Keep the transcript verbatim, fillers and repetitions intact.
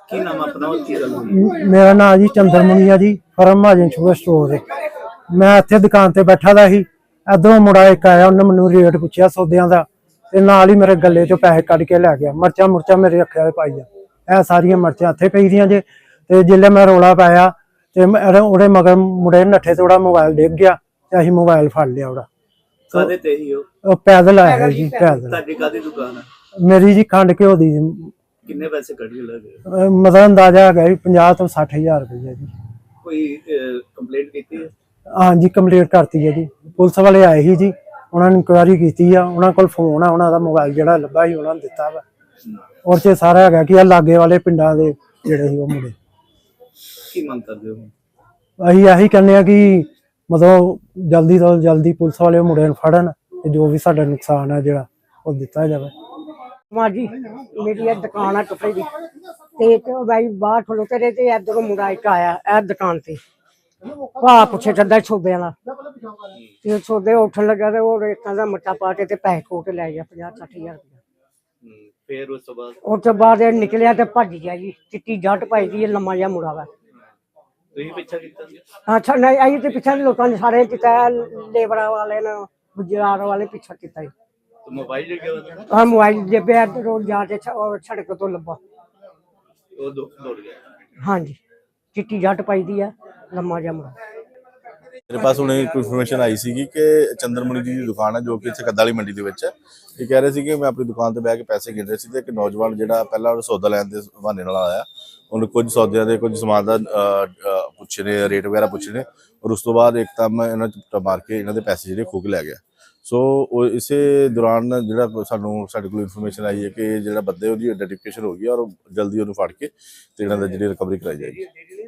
ਕੀ ਨਾਮ ਆਪਣਾ ਔਰ ਕੀ ਗੱਲ ਹੋਈ? म- मेरा नाम जी चंद्रमणि है जी। फर्म महाजन शुगर स्टोर है। मैं इत्थे दुकान ते बैठा दा ही, इधरों मुंडा एक आया, उन्हें मैनू रेट पुछया सौदियां दा ते नाल ही मेरे गले चों पैसे कढ के लै गया। मर्चां मुर्चां मेरे अखे पाई आ, ਇਹ ਸਾਰੀਆਂ ਮਰਚਾਂ ਇੱਥੇ ਪਈ ਦੀਆਂ ਜੇ। ਤੇ ਜਿੱਲੇ ਮੈਂ ਰੌਲਾ ਪਾਇਆ ਤੇ ਮੈਂ- ਉਹਦੇ ਮਗਰ ਮੁੰਡੇ ਨੱਠੇ ਤੇ ਉਹਦਾ ਮੋਬਾਈਲ ਡਿੱਗ ਗਿਆ ਤੇ ਅਸੀਂ ਮੋਬਾਈਲ ਫੜ ਲਿਆ ਉਹਦਾ। ਕਾਹਦੇ ਤੇ ਹੀ ਹੋ? ਉਹ ਪੈਦਲ ਆਇਆ ਜੀ, ਪੈਦਲ। ਤੁਹਾਡੀ ਕਾਹਦੀ ਦੁਕਾਨ ਹੈ? ਮੇਰੀ ਜੀ ਖੰਡ ਘਿਓ ਦੀ। ਕਿੰਨੇ ਪੈਸੇ ਕੱਢ ਕੇ ਲੈ ਗਏ? ਅਹ ਮਤਲਬ ਅੰਦਾਜ਼ਾ ਹੈਗਾ ਜੀ ਪੰਜਾਹ ਤੋਂ ਸੱਠ ਹਜ਼ਾਰ ਰੁਪਈਆ ਜੀ। ਕੋਈ ਕੰਪਲੇਂਟ ਕੀਤੀ ਹੈ? ਹਾਂਜੀ ਕੰਪਲੀਟ ਕਰਤੀ ਹੈ ਜੀ। ਪੁਲਿਸ ਵਾਲੇ ਆਏ ਸੀ ਜੀ, ਉਹਨਾਂ ਨੇ ਇਨਕੁਆਇਰੀ ਕੀਤੀ ਆ। ਉਹਨਾਂ ਕੋਲ ਫੋਨ ਆ, ਉਹਨਾਂ ਦਾ ਮੋਬਾਈਲ ਜਿਹੜਾ ਲੱਭਾ ਸੀ ਉਹਨਾਂ ਨੇ ਦਿੱਤਾ ਵਾ। ਔਰ ਚ ਸਾਰਾ ਹੈਗਾ ਕਿ ਆ ਲਾਗੇ ਵਾਲੇ ਪਿੰਡਾਂ ਦੇ ਜਿਹੜੇ ਸੀ ਉਹ ਮੁੰਡੇ। ਕੀ ਮੰਗ ਕਰਦੇ ਹੋ? ਅਸੀਂ ਇਹੀ ਕਹਿੰਦੇ ਆ ਕਿ ਮਤਲਬ ਜਲਦੀ ਤੋਂ ਜਲਦੀ ਪੁਲਿਸ ਵਾਲੇ ਉਹ ਮੁੰਡੇ ਨੂੰ ਫੜਨ ਤੇ ਜੋ ਵੀ ਸਾਡਾ ਨੁਕਸਾਨ ਹੈ ਜਿਹੜਾ ਉਹ ਦਿੱਤਾ ਜਾਵੇ। ਮਾਂ ਜੀ ਮੇਰੀ ਇਹ ਦੁਕਾਨ ਆ ਕੱਪੜੇ ਦੀ ਤੇ ਇੱਕ ਬਾਈ ਬਾਹਰ ਖਲੋਤੇ ਰਹੇ ਤੇ ਇਧਰੋਂ ਮੁੰਡਾ ਇੱਕ ਆਇਆ ਇਹ ਦੁਕਾਨ ਤੇ ਭਾ ਪੁੱਛੇ ਚੱਦਾ ਛੋਬੇ ਵਾਲਾ ਤੇ ਛੋਬੇ ਉੱਠਣ ਲੱਗਾ ਤੇ ਉਹ ਰੇਤਾਂ ਦਾ ਮੱਟਾ ਪਾ ਕੇ ਤੇ ਪੈਸੇ ਖੋ ਕੇ ਲੈ ਗਿਆ ਪੰਜਾਹ ਸੱਠ ਹਜ਼ਾਰ ਰੁਪਇਆ। ਫਿਰ ਉਸ ਤੋਂ ਬਾਅਦ ਉਸ ਤੋਂ ਬਾਅਦ ਇਹ ਨਿਕਲਿਆ ਤੇ ਭੱਜ ਗਿਆ ਜੀ। ਚਿੱਟੀ ਜੱਟ ਪਾਈ ਦੀ ਲੰਮਾ ਜਿਹਾ ਮੁੰਡਾ ਵਾ। ਤੁਸੀਂ ਪਿੱਛਾ ਕੀਤਾ? ਅੱਛਾ ਨਹੀਂ ਅਸੀਂ ਤੇ ਪਿੱਛੇ ਲੋਕਾਂ ਨੇ ਸਾਰੇ ਕੀਤਾ, ਲੇਬਰਾਂ ਵਾਲੇ ਨੇ ਗੁਜਰਾਤ ਵਾਲੇ ਪਿੱਛਾ ਕੀਤਾ ਜੀ। ਤੇ ਮੋਬਾਈਲ ਲੈ ਗਿਆ? ਆ ਮੋਬਾਈਲ ਜੇ ਪਿਆ ਰੋਡ ਜਾ ਕੇ ਛ- ਉਹ ਸੜਕ ਤੋਂ ਲੱਭਾ। ਉਹ ਦੋ ਦੌੜ ਗਿਆ। ਹਾਂਜੀ ਚਿੱਟੀ ਜੱਟ ਪਾਈ ਦੀ ਆ, ਲੰਮਾ ਜਿਹਾ ਮੁੰਡਾ। मेरे पास उन्हें एक इन्फॉर्मेशन आई सी कि चंद्रमणि जी की दुकान है जो कि इत्थे कद्दा वाली मंडी ਦੇ ਵਿੱਚ ਹੈ। ਇਹ ਕਹਿ ਰਹੇ ਸੀ ਕਿ ਮੈਂ ਆਪਣੀ ਦੁਕਾਨ ਤੇ ਬਹਿ ਕੇ ਪੈਸੇ ਗਿਣ ਰਿਹਾ ਸੀ ਤੇ ਇੱਕ ਨੌਜਵਾਨ ਜਿਹੜਾ ਪਹਿਲਾਂ ਉਹ ਸੌਦਾ ਲੈਣ ਦੇ ਬਹਾਨੇ ਨਾਲ ਆਇਆ। ਉਹਨੇ ਕੁਝ ਸੌਦਿਆਂ ਦੇ ਕੁਝ ਸਮਾਨ ਦਾ ਪੁੱਛੇ ਨੇ, ਰੇਟ ਵਗੈਰਾ ਪੁੱਛੇ ਨੇ ਔਰ ਉਸ ਤੋਂ ਬਾਅਦ ਇੱਕਦਮ ਇਹਨਾਂ ਚ ਮਾਰ ਕੇ ਇਹਨਾਂ ਦੇ ਪੈਸੇ ਜਿਹੜੇ ਖੋਹ ਕੇ ਲੈ ਗਿਆ। ਸੋ ਉਹ ਇਸੇ ਦੌਰਾਨ ਜਿਹੜਾ ਸਾਨੂੰ ਸਾਡੇ ਕੋਲ ਇਨਫੋਰਮੇਸ਼ਨ ਆਈ ਹੈ ਕਿ ਜਿਹੜਾ ਬੰਦੇ ਉਹਦੀ ਆਈਡੈਂਟੀਫਿਕੇਸ਼ਨ ਹੋ ਗਈ ਔਰ ਜਲਦੀ ਉਹਨੂੰ ਫੜ ਕੇ ਤੇ ਇਹਨਾਂ ਦਾ ਜਿਹੜੀ ਰਿਕਵਰੀ ਕਰਾਈ ਜਾਏਗੀ।